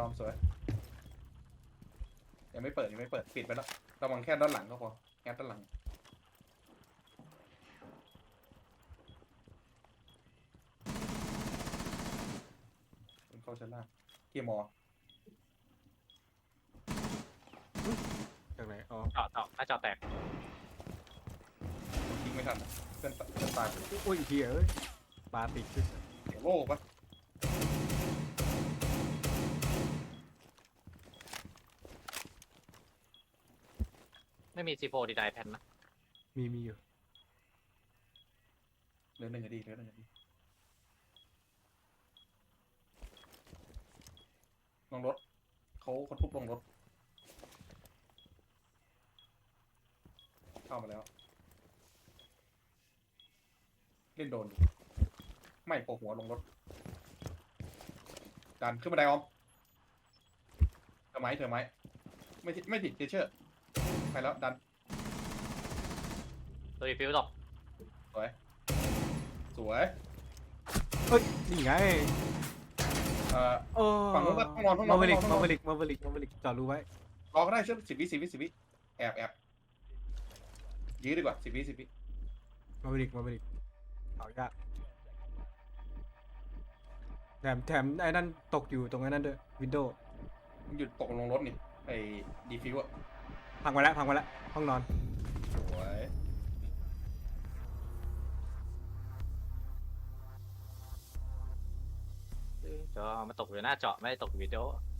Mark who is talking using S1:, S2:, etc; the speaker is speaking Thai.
S1: อมสวยยังไม่เปิดปิดไปแล้วระวังแค่ด้านหลังก็พอแค่ด้านหลังเข้าชั้นล่างเกียร์มอ
S2: จากไหนอ๋อ
S3: เจาะหน้าจอแตก
S1: ทิ้งไม่ทันเพื่อนตาย
S2: โอ้ยเฮียเอ้ยปลาติดขึ้น
S1: เดี๋ยวโล่ปะ
S3: ไม่มีซีโฟดีไดแพนนะ
S2: มีอยู่
S1: เรื่องหนึ่งก็ดีลงรถเขาทุบลงรถเข้ามาแล้วเล่นโดนไม่โผล่หัวลงรถดันขึ้นมาได้ออมเธอไหมไม่ติดเชื่อไปแล้วดัน
S3: ตัวรีฟิวตก
S1: สวย
S2: เฮ้ยนี่ไง โอ้
S1: ฝั่งนู้นห้องนอน
S2: มาเวลิกจอดรู้ไว้
S1: รอก็ได้เชื่อ10 วิแอบยื้อดีกว่า10 วิ
S2: มาเวลิกเอายากแถมไอ้นั่นตกอยู่ตรงไอ้นั่นด้วยวินโดว์
S1: มันหยุดตกลงรถนี่ไอ้ดีฟิวอะ
S2: พังไปแล้วห้องนอน
S1: สวย
S3: จอมาตกอยู่หน้าจอไม่ได้ตกอยู่วิดีโอ